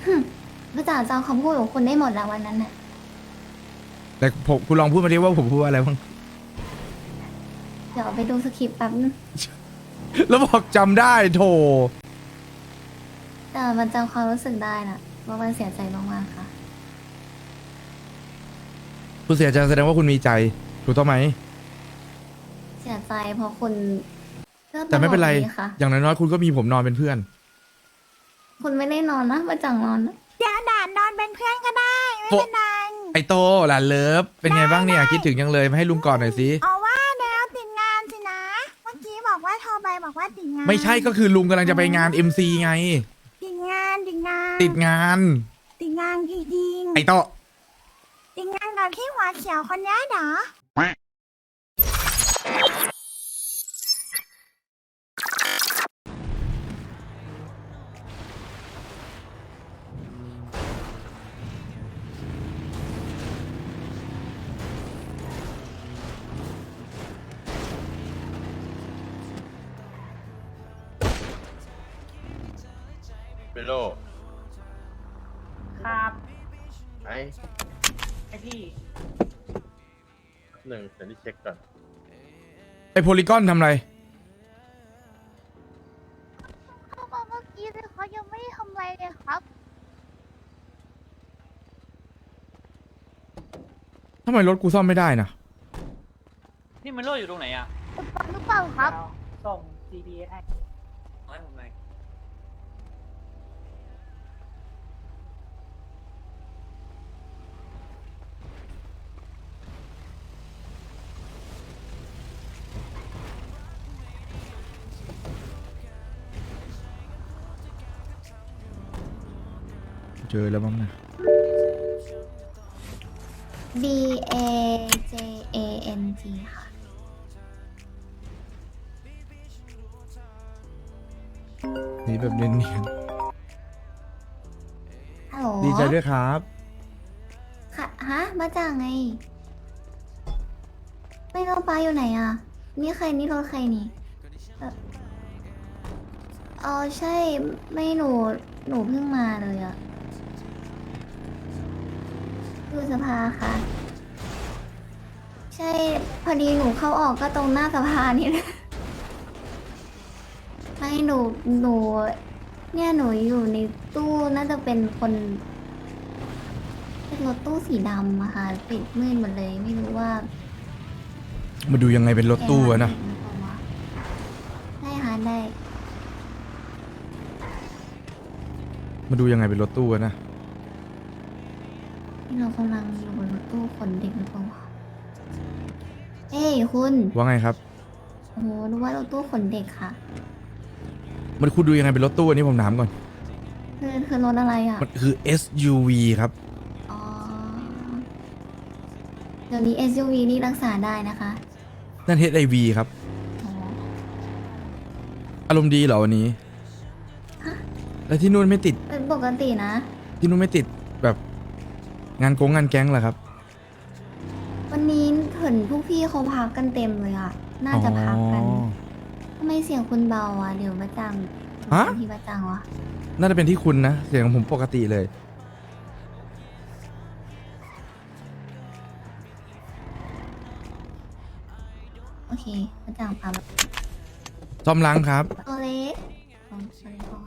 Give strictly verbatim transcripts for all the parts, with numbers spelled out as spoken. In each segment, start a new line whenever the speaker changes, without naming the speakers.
พระจ่าจำคำพูดของคุณได้หมดแล้ววันนั้นน่ะ
แต่ผมคุณลองพูดมาดิว่าผมพูดอะไรบ้าง
เดี๋ยวไปดูสคริปต์แป๊บนึง
แล้วบอกจำได้โถ
แต่มันจำความรู้สึกได้นะว่ามันเสียใจมากๆค่ะ
คุณเสียใจแสดงว่าคุณมีใจถูกต้องไหม
เสียใจเพราะคุณเลือก
แต่ไม่เป็นไร
ตลอดดีค่ะ
อย่างน้อยๆคุณก็มีผมนอนเป็นเพื่อน
คุณไม่ได้นอนนะมาจังนอนนะ
เดี๋ยวด่านนอนเป็นเพื่อนก็ได้ ไม่เป็นไร
ไอโตหลานเลิฟเป็นไงบ้างเนี่ยคิดถึงยังเลยมาให้ลุงกอดหน่อยสิ
เอาว่าแล้วติดงานสินะ เมื่อกี้บอกว่าโทรไปบอกว่าติดงาน
ไม่ใช่ก็คือลุงกำลังจะไปงาน เอ็ม ซี ไง
ติดงานติดงาน
ติดงาน
ติดงานจริง
ไอโต
ๆติดงานกับที่หัวเขียวคนนี้เหรอ
เปโล
ครับ
ไอ้
ไอพี่
หนึ่งเดี๋ยวนี้เช็คก่อน
ไอโพลีกอนทำอะไร
เขาบอกเมื่อกี้เลยเขายังไม่ได้ทำอะไรเลยครับ
ทำไมรถกูซ่อมไม่ได้นะ
พี่มันโลอยู่ตรงไหนอ่ะ
ฟังหรือเปล่าครับ
ส่ง จี พี เอส ให้ให้ผมหน่อย
เจอแล้วบ้างนะ
B A J A N G ค่ะ
นี่แบบเนียน
ฮัลโหล
ๆดีใจด้วยครับ
ค่ะฮะมาจากไง ไม่รู้ป้าอยู่ไหนอ่ะ นี่ใครนี่รถใครนี่เอ่ออ๋อใช่ ไม่หนู หนูเพิ่งมาเลยอ่ะดูสภาค่ะ ใช่ พอดีหนูเข้าออกก็ตรงหน้าสภานี่แหละ ไม่หนู หนู เนี่ยหนูอยู่ในตู้น่าจะเป็นคนเป็นรถตู้สีดำอะค่ะปิดมืดหมดเลยไม่รู้ว่า
มาดูยังไงเป็นรถตู้อะนะ
ได้ค่ะได้
มาดูยังไงเป็นรถตู้อะนะ
ที่เรากำลังอยู่บนรถตู้ขนเด็กหรือเปล่าวะเอ้ยคุณ
ว่าไงครับ
โอ้โหรู้ว่ารถตู้ขนเด็กค่ะ
มันคุณดูยังไงเป็นรถตู้อันนี้ผมถามก่อน
คือคือรถอะไรอ่ะ
มันคือ เอส ยู วี ครับ
อ๋อเดี๋ยวนี้ เอส ยู วี นี่รักษาได้นะคะ
นั่น เอช ไอ วี ครับ
อ๋อ
อารมณ์ดีเหรอวันนี้ แล้วที่นู่นไม่ติด
เป็นปกตินะ
ที่นู่นไม่ติดแบบงานโกงงานแก๊งเหรอครับ
วันนี้เห็นพวกพี่เขาพักกันเต็มเลยอ่ะ น่าจะพักกัน
อ๋อ
ทำไมเสียงคุณเบาอ่ะ เดี๋ยวมาจัง
ฮะ
พี่มาจังวะ
น่าจะเป็นที่คุณนะ เสียงของผมปกติเลย
โอเคมาจังปั๊ม
ซ่อมล้างครับ
ตัวเล็กอ๋อสวัสดีค่ะ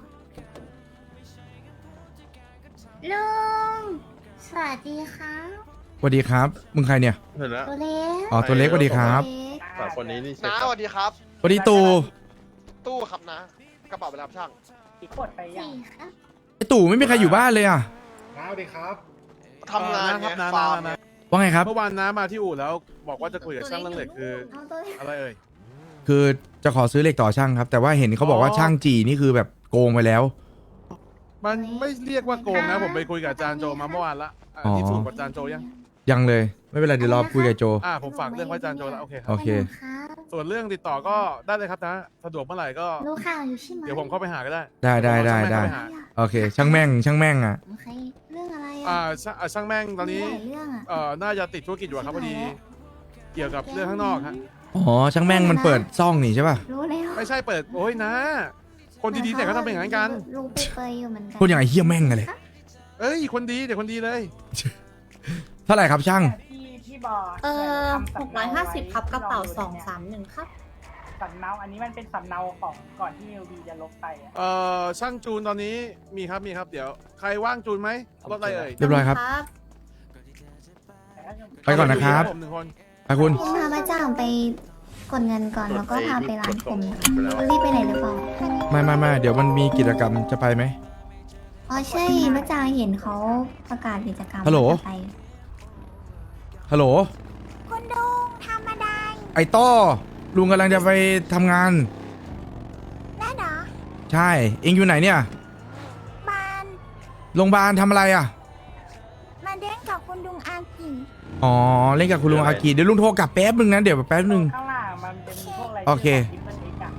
ลุง สวัสดีครับ
สวัสดีครับ มึงใครเนี่ย
เห็นแล้ว
ตัวเล็ก
อ๋อ ตัวเล็กสวัสดีครับ
ตัวเล็ก
สามคนนี้นี่เช็ค
น้า
ก่
ส
อน
วัสดีครับ
สวัสดีตู
ตู้ครับนะ กระเป๋าไปรับช่าง
อีกกดไปยัง
สี่ครับ
ไอตู่ไม่มีใครอยู่บ้านเลยอ่ะ
น้าสวัสดีครับ
ทำงาน
ครั
ไง
น้า
ฟาร์ม
น้า
ไง
ว่าไงครับ
เมื่อวานน้ามาที่อู่แล้วบอกว่าจะคุยกับช่างเรื่องเหล็กคือ
เอาตัวเล็ก
อะไรเอ่ย
คือจะขอซื้อเหล็กต่อช่างครับ แต่ว่าเห็นเขาบอกว่า
อ๋อ
ช่างจีนี่คือแบบโกงไปแล้ว
มันไม่เรียกว่าโกงนะ ผมไปคุยกับอาจารย์โจมาเมื่อวานละอ่ะ
อ๋อ
ที่สูงกับอาจารย์โจยัง
ยังเลย ไม่เป็นไรเดี๋ยวรอคุยกับโจ
อ่าผมฝากเรื่องไว้อาจารย์โจแล้วโอเคค
โอ
รับ
เค
ครับ
ส่วนเรื่องติดต่อก็ได้เลยครับนะสะดวกเมื่อไหร่ก็
รู้ข่าวอยู่ใช่ไหม
เดี๋ยวผมเข้าไปหาก็ได้
ได้ได้ได้
เยวผม
ได้
เข้าปหา
โอเค ช่างแม่ง ช่างแม่งอ่ะ
โอเค เรื่องอะไร
อ่า
อ่ะ
ช่างอ่าช่างแม่งตอนนี้
มีหลายเรื่องอ่ะ
เอ่อน่าจะติดธุรกิจอยู่อะครับพอดี เกี่ยวกับเรื่องข้างนอกฮะ
อ๋อ ช่างแม่งมันเปิดซ่องนี่ใช่ป่ะ
รู้แล้ว
ไม่ใช่เปิดโอ้ยนะ คนดีๆเนี่ยเขาทำเป็นอย่างนั้นกัน
ลุงไปเปยอยู่เหมือนกัน
พูดอย่างไอ้เฮี้ยแม่งกันเลย
เอ้ยคนดีเดี๋ยวคนดีเลย
เท่าไหร่ครับช่าง
พี่พี่บอก
เออ
ทำ
หกร้อยห้าสิบครับกระเป๋าสองสามหนึ่งครับ
สำเนาอันนี้มันเป็นสำเนาของก่อนที่เอลบีจะลบไปอะ
เอ่อช่างจูนตอนนี้มีครับมีครับเดี๋ยวใครว่างจูนไหมรถอะไรเอ่ย
เรียบร้อยครับ
แต่ถ้าจะ
ไปก่อนนะครับ
ผมหนึ่งคน
ไปคุณ
คุณพามาจ้างไปกดเงินก่อนแล้วก็พาไปร้านผมนะคะรีบไปไหนหรือเปล่า
ไม่ไม่ไม่เดี๋ยวมันมีกิจกรรมจะไปไหม
อ๋อใช่มาจ้างเห็นเขาประกาศกิจกรรม
ฮัลโหล
ว่าจะไป
ฮัลโหล
คุณดุงทำอะไร
ไอ้ต้อลุงกำลังจะไปทำงาน
แล้วเหรอ
ใช่ เองอยู่ไหนเนี่ย
บาน
โรงพยาบาลทำอะไรอ่ะ
มาเด้งกับคุณดุงอากิ
อ๋อ เล่นกับคุณลุงอากีเดี๋ยวลุงโทรกลับแป๊บนึงนะ เดี๋ยวแป๊บนึง
ข้างล่างมันจะมีพวกอะไร
โอเค
ที่มันเอกอะ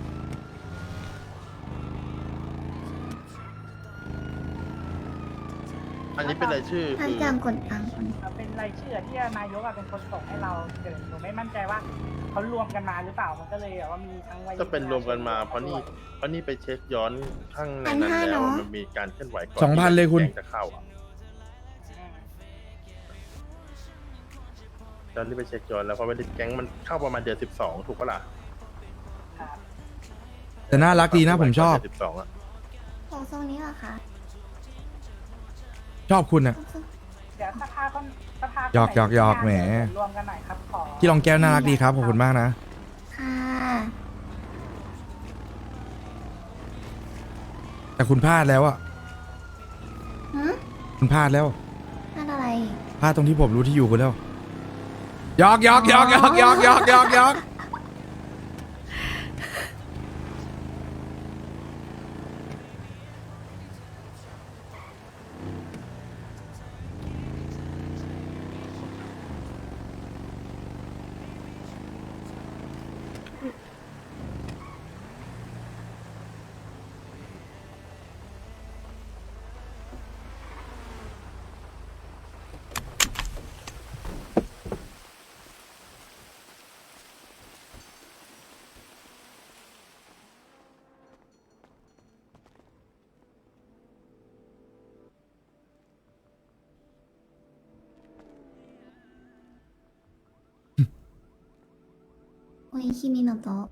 อันนี้เป็นรายชื่อ
ท่าน
คือ
จ้างกดตังค์คน
เอาเป็นรายชื่อที่นายกอะเป็นคนส่งให้เราเดี๋ยวหนูไม่มั่นใจว่าเขารวมกันมาหรือเปล่ามันก็เลยแบบว่ามีทั้งวัย
ก็เป็นรวมกันมาเพราะนี่เพราะนี่ไปเช็คย้อนข้างในนั้นแล้วมันมีการเคลื่อนไหวก่อน
สองพันเลยคุณ
ที่แก๊งจะเข้าอ่ะ
อืม
ตอนนี้ไปเช็คย้อนแล้วเพราะว่าแก๊งมันเข้าประมาณเดือนสิบสองถูกปะล่ะ
ครับ
แต่น่ารักดีนะผมชอบ
สิบสองอ่ะ
ของทรงนี้เหรอคะ
ชอบคุณอ่ะ
เดี๋ยวสภาก็สภา
หยอกหยอกหยอกแหม
รวมกันหน่อยครับขอ
ที่รองแก้วน่ารักดีครับ ขอบคุณมากนะ
ค่ะ
แต่คุณพลาดแล้วอ่ะ
หืม
คุณพลาดแล้ว
นั่นอะไร
พลาดตรงที่ผมรู้ที่อยู่คุณแล้วหยอกหยอกหยอกหยอกหยอกหยอกหยอกหยอก
โอ้ยคิมิโนโตะ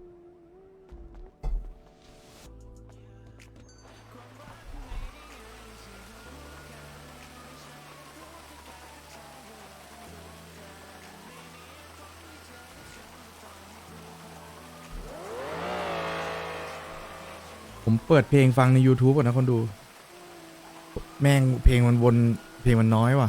ผมเปิดเพลงฟังใน YouTube ก่อนนะคนดู แม่งเพลงมันวนเพลงมันน้อยว่ะ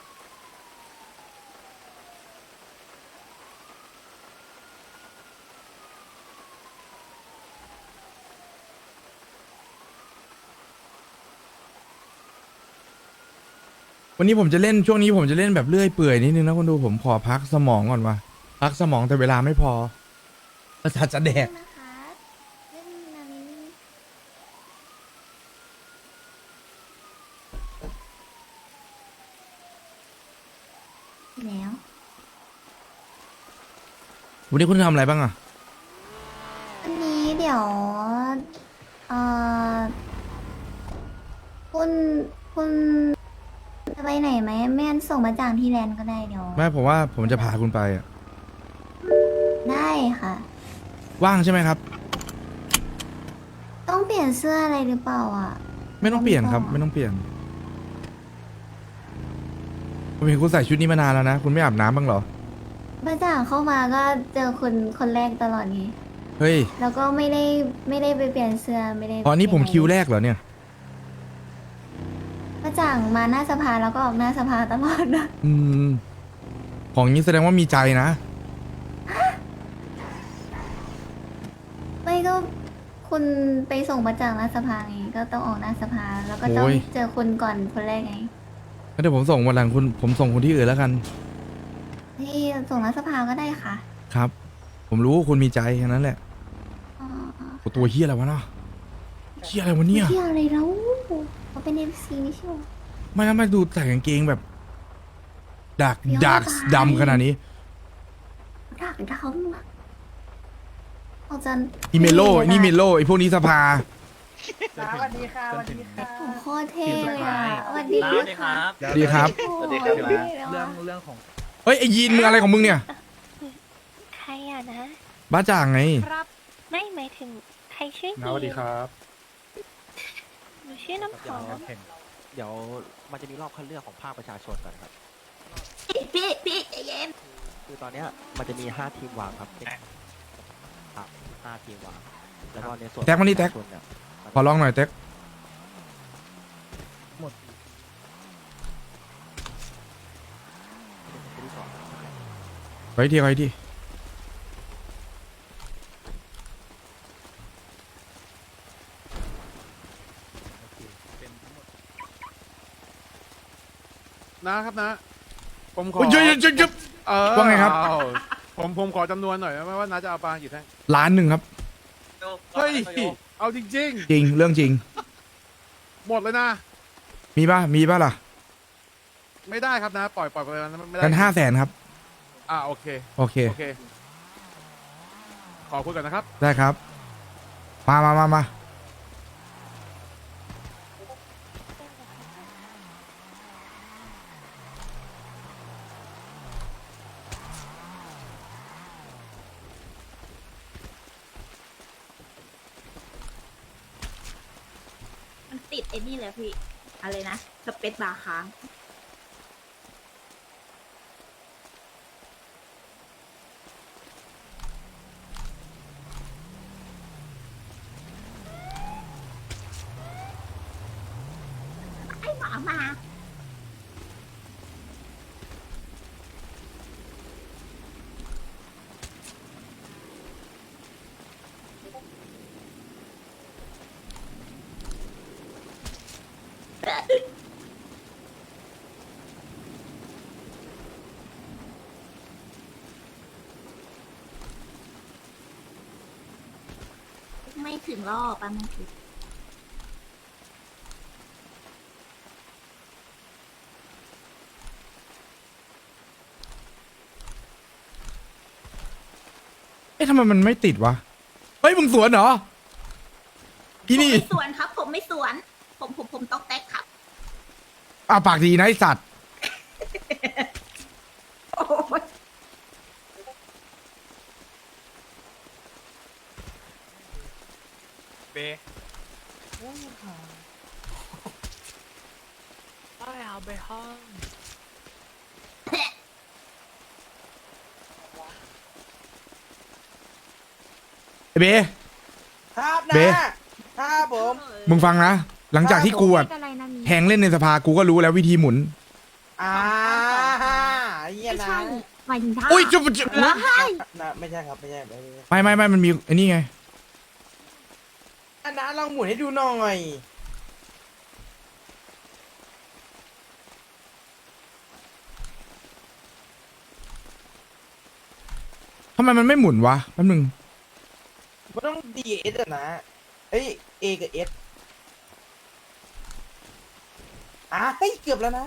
วันนี้ผมจะเล่นช่วงนี้ผมจะเล่นแบบเลื่อยเปื่อยนิดนึงนะคนดูผมขอพักสมองก่อนว่ะพักสมองแต่เวลาไม่พอประสาทจะแดก
นะคะเล่นนามินี่แล้ว
วันนี้คุณทำอะไรบ้างอะ
อันนี้เดี๋ยวเอ่อคุณคุณจะไปไหนไหมไม่งั้นส่งมาจากที่แลนด์ก็ได้เดี๋ยว
ไม่ผมว่าผมจะพาคุณไปอะ
ได้ค่ะ
ว่างใช่ไหมครับ
ต้องเปลี่ยนเสื้ออะไรหรือเปล่าอ่ะ
ไม่ต้องเปลี่ยนครับ ไม่ต้องเปลี่ยนผมเห็นคุณใส่ชุดนี้มานานแล้วนะคุณไม่อาบน้ำบ้างเหรอ
มาจากเข้ามาก็เจอคนคนแรกตลอดไง
เฮ้ย
แล้วก็ไม่ได้ไม่ได้ไปเปลี่ยนเสื้อไม่ได้
อ๋อนี่ผมคิวแรกเหรอเนี่ย
มาจากมาหน้าสภาแล้วก็ออกหน้าสภาตลอดนะ
อืม ของนี้แสดงว่ามีใจนะ
ไม่ก็คุณไปส่งมาจากหน้าสภาไงก็ต้องออกหน้าสภาแล้วก็ต้อง
โอ้ย
เจอคุณก่อนคนแรกไง
งั้นเดี๋ยวผมส่งวันหลังคุณผมส่งคนที่อื่นแล้วกัน
ที่ส่งหน้าสภาก็ได้ค่ะ
ครับ ผมรู้ว่าคุณมีใจแค่นั้นแหละ
อ๋อ
โอ้ตัวเฮียอะไรวะเนาะเฮียอะไรวะเนี่ย
เที่ยวอะไรแล้วเขาเป็นเอฟซีไม่ใช่หรอ
ไม่แล้วมาดูใส่กางเกงแบบดัก
เดี๋ยว
ดัก
ตาย
ดำขนาดนี้
ดักดำออกจะ
นี่เมโลนี่เมโลไอพวกนี้สภา
นะสวัสดีค่ะสวัสดีค่ะ
โอ้โหโคตรเท่เลยอ่ะสวัสดี
สวัสดีค
ค่ะ
รับ
สวัสดีครับ
โอ้โห
สวัสดีครับ
เท่เลย
เรื่อ
ว่ะ
งเรื่องของ
เฮ้ยไอยีนมึงอะไรของมึงเนี่ย
ใครอ่ะนะ
บ้าจ่างไง
ครับ ไม่หมายถึงใครชื่อ
สวัสดีครับ
หนูชื่อน้ำหอม
เดี๋ยวมันจะมีรอบคัดเลือกของภาคประชาชนก่อนครับ
พี่พี่ใจเย็น
คือตอนเนี้ยมันจะมีห้าทีมวางครับเป็นครับห้าทีมวางแล้วก็ในส่วน
แท็กมานี่แท็ก
ประชชเนี่ย
ขอลองหน่อยเต็ก
คนที่สอง
ไว้ทีไว้ที
นะครับนะ ผมขอ
โอ้ยเยอะเยอะเยอะ
เออ
ว่าไงครับ
เอาผมผมขอจำนวนหน่อยได้ไหมว่าน้าจะเอาปลากี่แท่ง
ล้านหนึ่งครับ
เฮ้ย เอาจริง
จริงเรื่องจริง
ๆ หมดเลยนะ
มีป่ะมีป่ะล่ะ
ไม่ได้ครับนะ ปล่อยปล่อยไปแล้วไม่ได้
กันห้าแสนครับ
อ่าโอเค
โอเค
โอเค ขอคุยก่อนนะครับ
ได้ครับ มามามามา
มันติดไอ้นี่เลยพี่ อะไรนะ สเปซบาร์ค้าง ไอ้หมามา ไม่ถึงรอบอ่ะมันถึง
เอ๊ะทำไมมันไม่ติดวะ เฮ้ยมึงสวนเหรออีนี่
ผมไม่สวนครับ ผมไม่สวน ผมผมผมต้องแตกครับ
อ่ะปากดีนะไอสัตว์
โอ้ย
เบเอาไปห้อง
ไอเบ
ครับ
เบ
ครับผม
มึงฟังนะ หลังจากที่กูอะ
อะไรนะมี
แทงเล่นในสภากูก็รู้แล้ววิธีหมุน
อ่าเยี่ย
ไม่
นะ
ใช่หมายถึงท่า
อุ้ยจุ๊บจุ๊บ
แล้ว
นะไม่ใช่ครับไม่ใช่ไม่ใช่
ไม่ไม่ไม่มันมีไอ้นี่ไง
อันนั้นลองหมุนให้ดูหน่อย
ทำไมมันไม่หมุนวะแป๊บนึง
มันต้อง ดี เอส อะนะ เอ้ย A กับ S อ่ะเฮ้ยเกือบแล้วนะ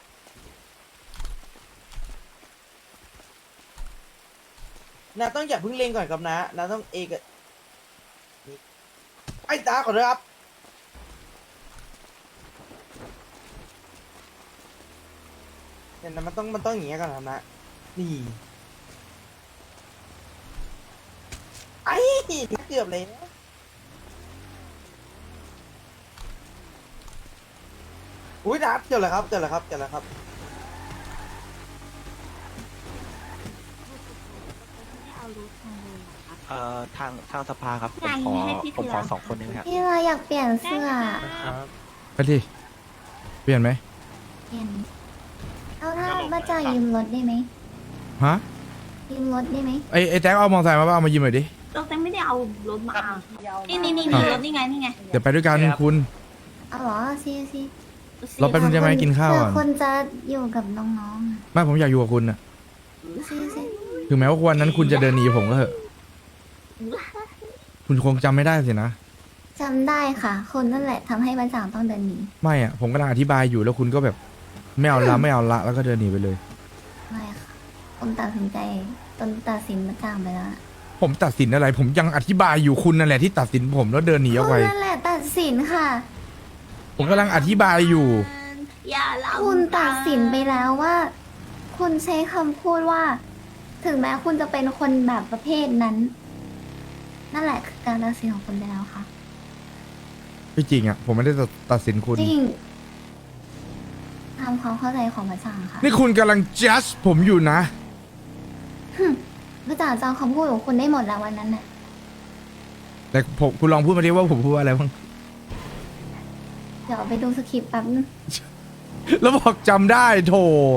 นาต้องอย่าเพิ่งเล็งก่อนครับนะนาต้อง A กับนี่ไอ้ตาขอโทษครับเนี่ยนะมันต้องมันต้องอย่างเงี้ยก่อนครับนะ นี่ ไอ้เกือบเลยนะอุ้ยนัดเจอแล้วครับเจอแล้วครับเจอแล้วครับ เอ่อทางทางสภาครับ ผมขอผมขอสองคนนี้นะครับ
พี่เราอยากเปลี่ยนเสื้อ
ไปที่เปลี่ยนไหม
เปลี่ยนเอาถ้าบ้าจ่างยืมรถได้ไหม
ฮะ
ยืมรถได้ไหม
ไอไอแจ็คเอามอเตอร์ไซค์มาป่ะเอามายืมหน่อยดิ
เราแต่ไม่ได้เอารถมา
เดียว
นี่นี่นี่
อ่ะ
นี่รถนี่ไงนี่ไง
เดี๋ยวไปด้วยกันคุณ
เอาเหรอซีซี
เราไป มันจะมาให้กินข้าวก่อน
เผื่อคนจะอยู่กับน้องๆอะ
ไม่ผมอยากอยู่กับคุณน่ะ
ซีซี
ถึงแม้ว่าวันนั้นคุณจะเดินหนีผมก็เถอะ คุณคงจำไม่ได้สินะ
จำได้ค่ะ คนนั่นแหละทำให้บ้าจ่างต้องเดินหนี
ไม่อ่ะ ผมกำลังอธิบายอยู่แล้วคุณก็แบบ ไม่เอาละไม่เอาละแล้วก็เดินหนีไปเลย
ไม่ค่ะผมตัดสินใจตนตัดสินบ้าจ่างไปแล้วอะ
ผผมตัดสินอะไร ผมยังอธิบายอยู่คุณนั่นแหละที่ตัดสินผมแล้วเดินหนีออกไป
คุณนั่นแหละตัดสินค่ะ
ผมกำลังอธิบายอยู่
อย่าลำ
คุณตัดสินไปแล้วว่า คุณใช้คำพูดว่า ถึงแม้คุณจะเป็นคนแบบประเภทนั้น นั่นแหละคือการตัดสินของคุณไปแล้วค่ะ
ไม่จริงอ่ะ ผมไม่ได้ตัดสินคุณ
จริงตามความเข้าใจของพระจางค่ะ
นี่คุณกำลัง judge ผมอยู่นะ
พระจางจำคำพูดของคุณได้หมดแล้ววันนั้นน่ะ
แต่ผมคุณลองพูดมาดิว่าผมพูดว่าอะไรบ้าง
เดี๋ยวไปดูสคริปต์แป๊บนึง
แล้วบอกจำได้โถ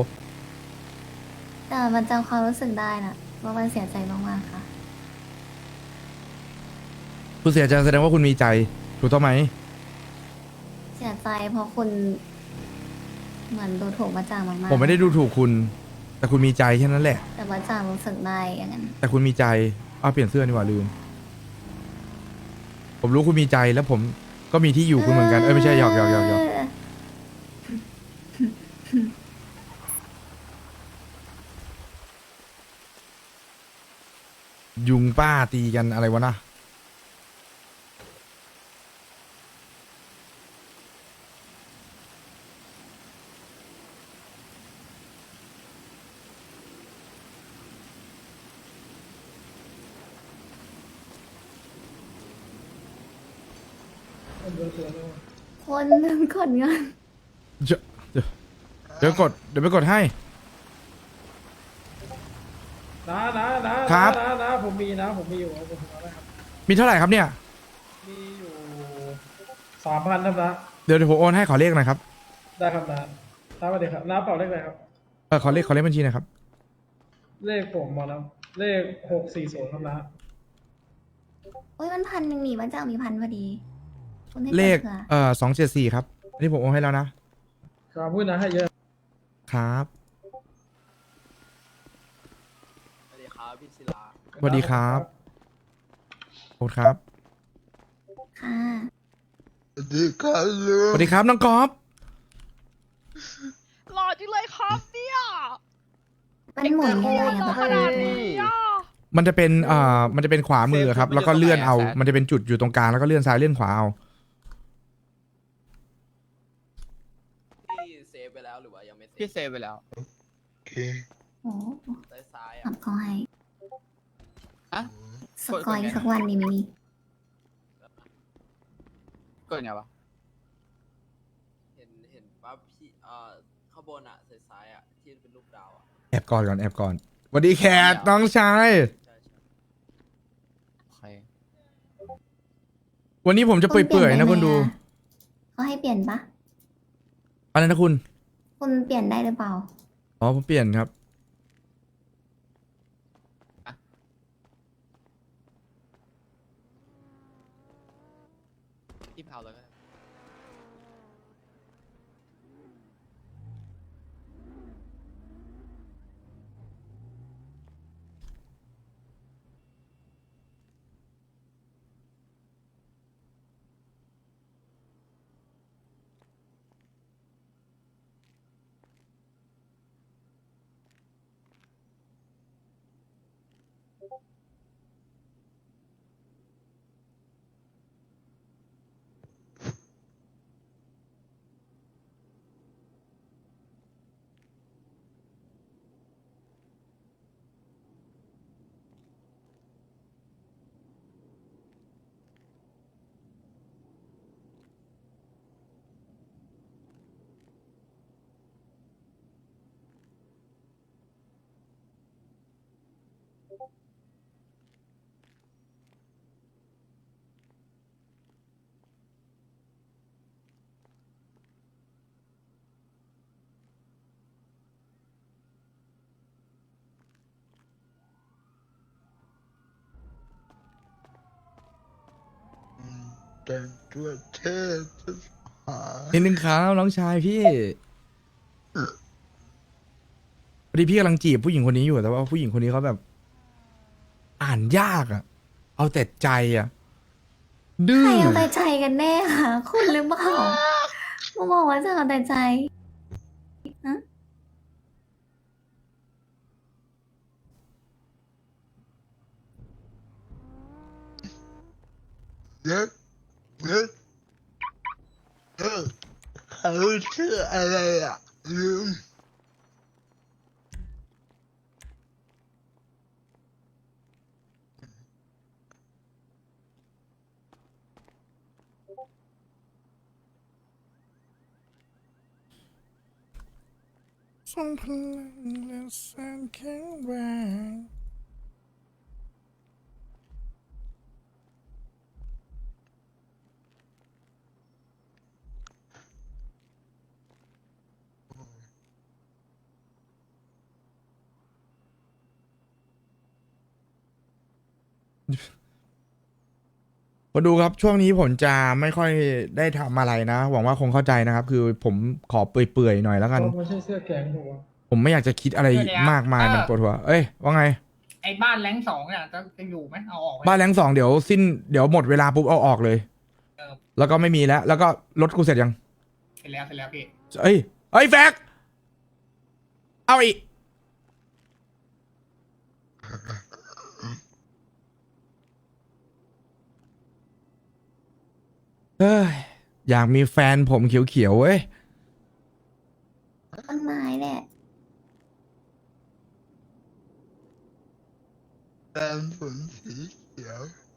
แต่มันจำความรู้สึกได้นะว่ามันเสียใจมากๆค่ะ
คุณเสียใจแสดงว่าคุณมีใจ ถูกต้องไหม
เสียใจเพราะคุณ เหมือนดูถูกพระจางมากๆ
ผมไม่ได้ดูถูกคุณ แต่คุณมีใจแค่นั้นแหละ
แต่พระจางรู้สึกได้อย่างนั้น
แต่คุณมีใจเอาเปลี่ยนเสื้อดีกว่าลืม ผมรู้คุณมีใจแล้วผมก็มีที่อยู่คุณเหมือนกัน เอ้ยไม่ใช่หยอกหยอกหยอกหยอกยุงป้าตีกันอะไรวะนะ
คนหนึ่งกดเงิน
เดี๋ยวเดี๋ยวเดี๋ยวกด เดี๋ยวไปกดให้
นะนะนะครับ นะนะผมมีนะ ผมมีอยู่ผมเอาได้ครับ
มีเท่าไหร่ครับเนี่ย
มีอยู่สามพันครับนะ
เดี๋ยวเดี๋ยวผมโอนให้ขอเลขหน่อยครับ
ได้ครับนะน้าสวัสดีครับน้าเป่าเลขอะไรครับ
เออขอเลขขอเลขบัญชีหนะครับ
เลขผมมาแล้วเลขหกสี่ศูนย์ครับนะ
โอ้ยมันพันหนึ่งหนีพระจางมีพันพอดีคุณให้
เลข
ผื่อ
เอ่อสองเจ็ดสี่ครับ อันนี้ผมโอนให้แล้วนะ
ครับพูดนะให้เยอะ
ครับ
สวัสดีครับพี่ศิลา
สวัสดีครับโอนครับ
ค่ะ
สวัสดีครับน้องกอล์ฟ
หล่อจังเลยครับเนี่ย
มันหมุนยังไงอะ
ข
คะ
นาดนี้อ่ะ
มันจะเป็นเอ่อมันจะเป็นขวามือครับ แล้วก็เลื่อนเอา มันจะเป็นจุดอยู่ตรงกลางแล้วก็เลื่อนซ้ายเลื่อนขวาเอา
พี่เซฟไปแล้วหรือว่ายังไม่เซฟ
พี่เซฟไปแล้ว
โอ้
ซ้ายซ้าย
ขั
อ่ะ
บเขาให้
อะ
สกอยสักวันดีไหมนี่
กดไงวะ
เห็นเห็นปั๊บพี่เอ่อข้างบนอ่ะซ้ายซ้ายอ่ะที่เป็นรูปดาวอ่ะ
แอบก่อนก่อนแอบก่อนสวัสดีแคทน้องชาย
ใช่ใช่
โอเค
วันนี้ผมจะเปื่อยๆนะคุณดู
เขาให้เปลี่ยนปะ
อะไรนะคุณ
คุณเปลี่ยนได้หรือเปล่า
อ๋อผมเปลี่ยนครับ
พี่เผาเลยก็ได้
แต่งตัวเท่จะหา
นิดนึงครับน้องชายพี่พอดีพี่กำลังจีบผู้หญิงคนนี้อยู่แต่ว่าผู้หญิงคนนี้เขาแบบ อ่านยากอ่ะ เอาแต่ใจอ่ะ ดื้
ใคร
อ
เอาแต่ใจกันแน่คะคุณหรือเปล่ามาบอกว่าจะเอาแต่ใจฮะ
เด็กเด็กเออเขาชื่ออะไรอ่ะลืม
ทรงพลังและแสนแข็งแรงมาดูครับช่วงนี้ผมจะไม่ค่อยได้ทำอะไรนะหวังว่าคงเข้าใจนะครับ คือผมขอเปื่อยๆหน่อยแล้วกัน
ไม่ใช่เสื้อแกงหัว
ผมไม่อยากจะคิดอะไรมากมายมันปวดหัวเอ้ยว่าไง
ไอ้บ้านแรงสองเนี่ยจะจะอยู่ไหมเอาออกไหม
บ้านแรงสองเดี๋ยวสิ้นเดี๋ยวหมดเวลาปุ๊บเอาออกเลย
เออ
แล้วก็ไม่มีแล้ว แล้วก็รถกูเสร็จยัง
เสร็จแล้วเสร็จแล้วพี่
เอ้ยเอ้ยแฟกเอาอีกเฮ้ยอยากมีแฟนผมเขียวๆเว้ย
ต้นไม้แหละ
แดงฝนสีเขียว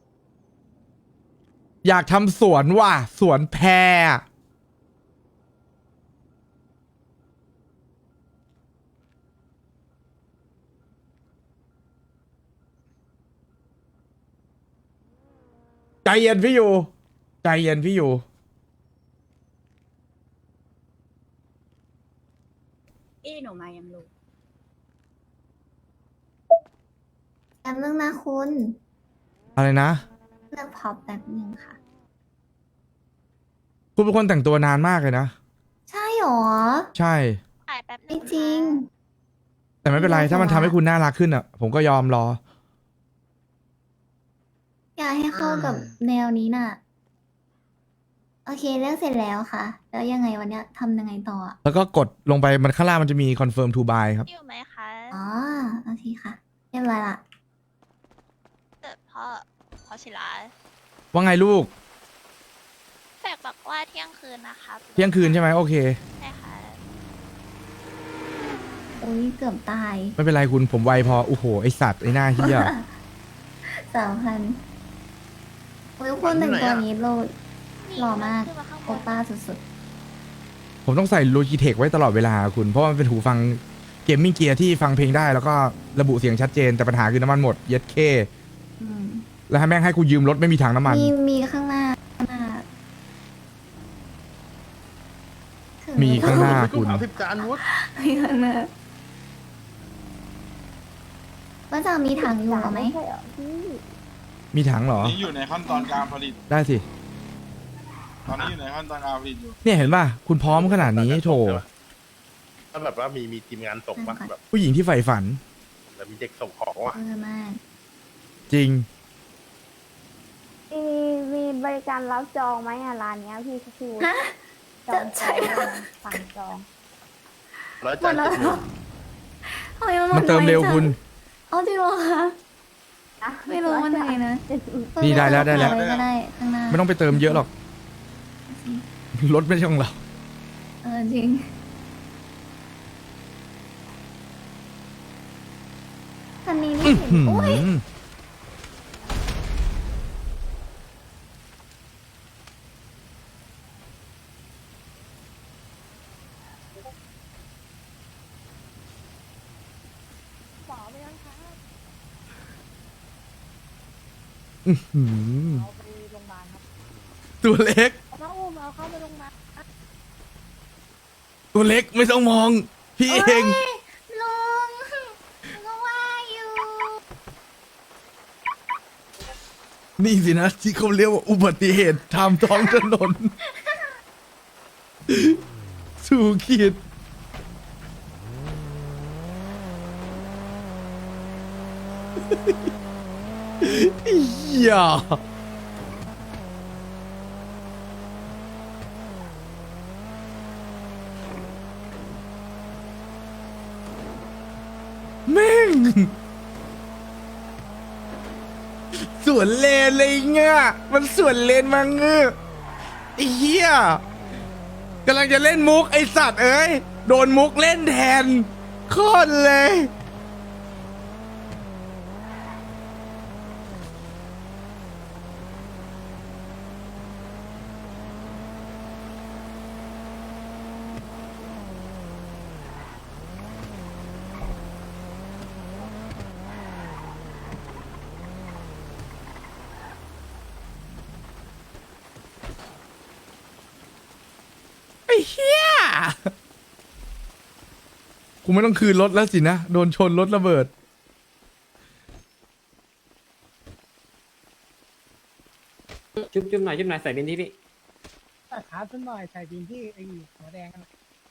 อยากทำสวนว่ะสวนแพรใจเย็นพี่อยู่ใจเย็นพี่อยู่
อี้หนูมายังลูก
แป๊บนึงนะคุณ
อะไรนะ
เลือกพอปแป๊บนึงค่ะ
คุณเป็นคนแต่งตัวนานมากเลยนะ
ใช่หรอ
ใช่
ถ่ายแป๊บนึ
ไม่
ง
จริง
แต่ไม่เป็นไร ถ้ามันทำให้คุณน่ารักขึ้นอ่ะ ผมก็ยอมรอ
อยากให้เข้ากับแนวนี้น่ะ โอเคเลือกเสร็จแล้วค่ะ แล้วยังไงวันเนี้ยทำยังไงต่ออะ
แล้วก็กดลงไปมันข้างล่างมันจะมี confirm to buy ครับ
อยู่ไหมคะ
อ๋อโอเคค่ะ เรียบร้อยละ
เกิดพ่อพ่อศิลา
ว่าไงลูก
แฝกบอกว่าเที่ยงคืนนะครับ
เที่ยงคืนใช่ไหมโอเค
ใช่ค่ะ
อุ้ยเกือบตาย
ไม่เป็นไรคุณผมไวพอโอ้โหไอสัตว์ไอหน้าเฮีย
สามพันอุ้ยคุณหนึ่งตัวนี้โลด หล่อมาก
ขึ้นมาข้างบ
โอน ป้าสุด
ผมต้องใส่โลจิเทคไว้ตลอดเวลาคุณ เพราะว่ามันเป็นหูฟังเกมมิ่งเกียร์ที่ฟังเพลงได้แล้วก็ระบุเสียงชัดเจนแต่ปัญหาคือน้ำมันหมดเย็ดเค
ๆอืม
แล้วให้แม่งให้กูยืมรถไม่มีถังน้ำมัน
มีมีข้างหน้าข้างหน้าถึง
มีข้างหน้า
ไปกุ้งสามสิบจานวุฒ
มีข้างหน้าว่าจะมีถังอยู่ไหม
มีถังเหรอ
นี่อยู่ในขั้นตอนการผลิต
ได้สิ
ตอนนี้อยู่ในขั้นตอนการผลิตอยู่
เนี่ยเห็นป่ะคุณพร้อมขนาดนี้โถ
ถ้าแบบว่ามีมีทีมงานส่งมาแบบ
ผู้หญิงที่ใฝ่ฝัน
แบบมีเด็กส่งของว่ะ
เออมาก
จริง
มีมีบริการรับจองไหมอ่ะร้านเนี้ยพี่คิว
ฮะ
จอง
ใช่
สั่งจอง
ร้อย
หม
จา
ด
น
แล้ว
เจ็ดห
เหร
มื่
อน ทำไมมันหมด
มันเติมเร็ว
ไจัง
คุณ
เอาจริงเหรอคะไม่รู้มันยังไงนะ
นี่ได้แล้วได้แล้ว
เปิว้ก็ได้ข้างหน้า
ไม่ต้องไปเติมเยอะหรอกรถไม่ใช่ของเรา
เออจริงคันนี้นี่เห็น
หืม
โอ้ย
หืม
เอาไปโรงพยาบาลครับ
ตัวเล็ก
น้องอุ้มเอาเข้าไปลงมา
ตัวเล็กไม่ต้องมอง พี่เอง
ลุงก็ว่าอยู่
นี่สินะที่เขาเรียกว่าอุบัติเหตุทางท้องถนน สู่ขีดอย่าแม่ง สววนเลนเลยเงี้ยมันสวนเลนมาเงื้อไอ้เหี้ยกำลังจะเล่นมุกไอสัตว์เอ้ยโดนมุกเล่นแทนโคตรเลย ไอ้เหี้ยกูไม่ต้องคืนรถแล้วสินะ โดนชนรถระเบิด
จุ๊บจุ๊บหน่อยจุ๊บหน่อยใส่บินที่พี่
ขาขึ้นหน่อยใส่บินที่ไอ้หัวแดงกัน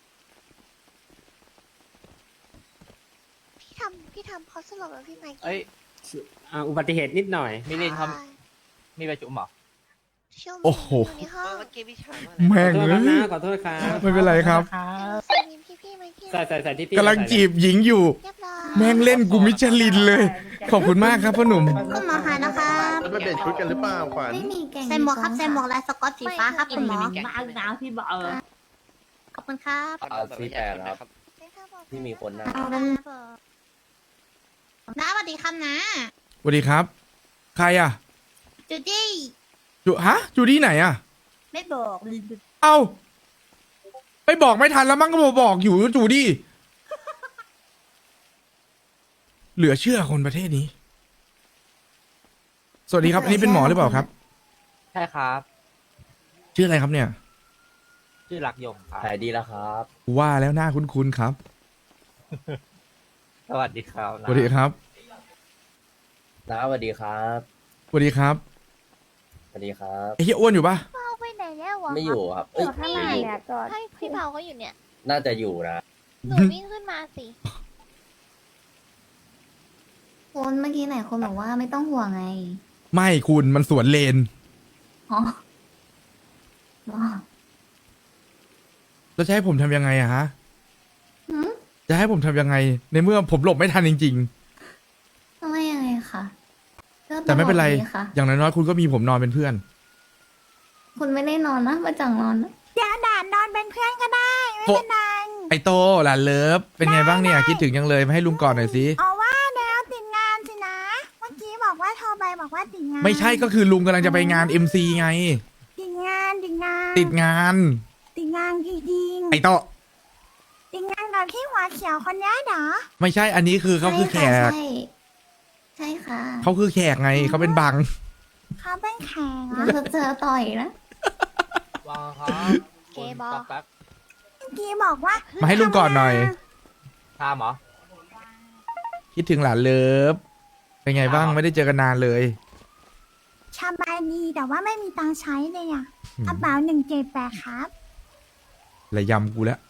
พี่ทำพี่ทำเขาสลบแล้วพี่ไมค์
เอ้ยอ่าอุบัติเหตุนิดหน่อย
มิลินเขามีประชุมเหรอ
ช่วง
โอ้โห
ในห้อง
เมื่อกี้พี่ชายมา
แม่ง
ขอโทษ
เอ้
ครับนะข
ย
อโทษครับ
ไม่เป็นไรครับ
ใส่บินพี่พี่ไมค์
ใส่ใส่ใส่ที่พี่
กำลังจีบหญิงอยู่
เรียบร้อย
แม่งเล่นกูมิชลินเลย ขอบคุณมากครับพ่อหนุ่ม
คุณหมอคะนะคะ
แล้วไปเปลี่ยนชุดกันหรือเปล่าขวัญ
ไม่มีแกง
ใส่หมวกครับใส่หมวกลายสก๊อตสีฟ้าครับคุณหมอ
มาเอาหนาวพี่บอกเออ
ขอบคุณครับ
เอาซีแปดครับ ที่มีคนนะ
เอาเป็น
น้าสวัสดีครับนะ
สวัสดีครับ ใครอ่ะ
จูดี้
จูฮะจูดี้ไหนอ่ะ
ไม่บอก
เอ้าไปบอกไม่ทันแล้วมั้งก็บอกบอกอยู่จูดี้เหลือเชื่อคนประเทศนี้ สวัสดีครับ อันนี้เป็นหมอหรือเปล่าครับ
ใช่ครับ
ชื่ออะไรครับเนี่ย
ชื่อรักยมครับหายดีแล้วครับ
ว่าแล้วหน้าคุ้นๆครับ
สวัสดีครับ
สวัสดีครับ
น้าสวัสดีครับ
สวัสดีครับ
สวัสดีครับ
ไอ้เฮียอ้วนอยู่ปะ
เป้าไปไหนแล้ววะ
ไม่อยู่ครับ เอ้ย
นี่ไงให้พี่เปาก็อยู่เนี่ย
น่าจะอยู่นะ
หนูวิ่งขึ้นมาสิ
คุณเมื่อกี้ไหนคนบอกว่าไม่ต้องห่วงไง
ไม่คุณมันสวนเลน
อ๋ออ๋อ
แล้วจะให้ผมทำยังไงอะฮะ
หืม
จะให้ผมทำยังไง ในเมื่อผมหลบไม่ทันจริง
ทำไมยังไงคะก็
ๆ แต่ไม่เป็นไร
ตลอดดีค่ะ
อย่างน้อยๆคุณก็มีผมนอนเป็นเพื่อน
คุณไม่ได้นอนนะมาจังนอนนะ
เดี๋ยวด่านนอนเป็นเพื่อนก็ได้ ไม่เป็นไร
ไอโตหลานเลิฟเป็นไงบ้างเนี่ย คิดถึงยังเลยมาให้ลุงก่อนหน่อยสิ
อ๋อว่าแล้วติดงานสินะ เมื่อกี้บอกว่าโทรไปบอกว่าติดงาน
ไม่ใช่ก็คือลุงกำลังจะไปงาน เอ็ม ซี ไง
ติดงานติดงาน
ติดงาน
ติดงานจริง
ไอโต
ๆติดงานกับที่หัวเขียวคนนี้เหรอ
ไม่ใช่อันนี้คือเขาคือแขก
ใช่ใช่ค่ะ
เขาคือแขกไงเขาเป็นบัง
เขาเป็นแขกเหร
เดี๋
อ
ยวจะเจอต่อยนะ
ว้าวครับ
เกย์บอก
แป๊บ
เมื่อกี้บอกว่า
มาให้ลุงก่อนหน่อย
ทามเหรอ
คิดถึงหลานเลิฟเป็นไงบ้างไม่ได้เจอกันนานเลย
สบายดีแต่ว่าไม่มีตังค์ใช้เลยอ่ะ
อืม
กระเป๋าหนึ่งเจ็ดแปดครับ
ระยำกูแล้ว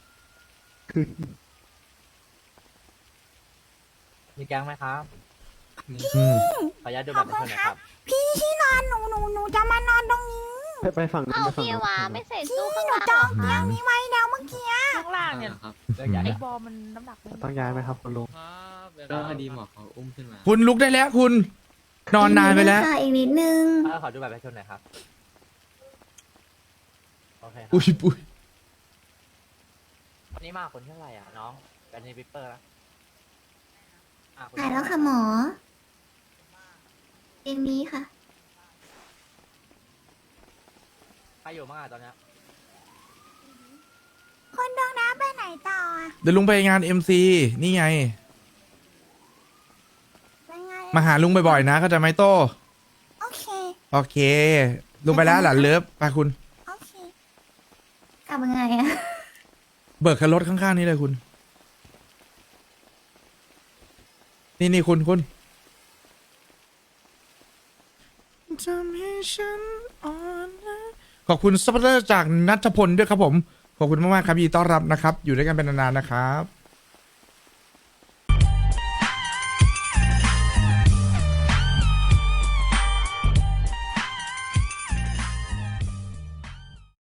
มีแก๊งไหมครับ
อืม
ขออนุญาตดูบัตรประชาชนหน่อยครับ
พี่ที่นอนหนูหนูหนูจะมานอนตรงนี้
ไปฝั่งนู้น
เอา
ไปฝั่ง
พี่
นู้น
วาไม่ใส่ตู้ข้างหลังจองเตียงนี้ไว้แล้วเมื่อกี้
ข้างล่างเนี่ย
อืม
ไอ้บอลมันน้ำหนักไม่
ต้องย้ายไหมครับคุณลุง
ก็พอดีหมอเขาอุ้มขึ้นมา
คุณลุกได้แล้วคุณ นอนนานไปแล้ว
ค่ะอีกนิดนึง
ขอดูบัตรประชาชนหน่อยครับ โอเคครับ
อุ้ยปุ้ย
วันนี้มาคนเท่าไหร่อ่ะน้องกันในวิปเปอร์แล้วอ่ะคน
หายแล้วค่ะหมอเกมนี้ค่ะ
ใครอยู่บ้างอ่ะตอนเนี้ย
คนดวงน้ำไปไหนต่ออะ
เดี๋ยวลุงไปงาน เอ็ม ซี นี่ไง
เป็นไง
มาหาลุงบ่อยๆนะเข้าใจไหมโต
โอเค
โอเค ลุงไปแล้วหลานเลิฟไปคุณ
โอเค
กลับยังไงอะ
เบิกคันรถข้างๆนี้เลยคุณ นี่นี่คุณคุณทำให้ฉันอ่อนแอขอบคุณซัพพอร์ตเตอร์จากนัทพลด้วยครับผม ขอบคุณมากๆครับยินดีต้อนรับนะครับ อยู่ด้วยกันเป็นนานๆนะครับ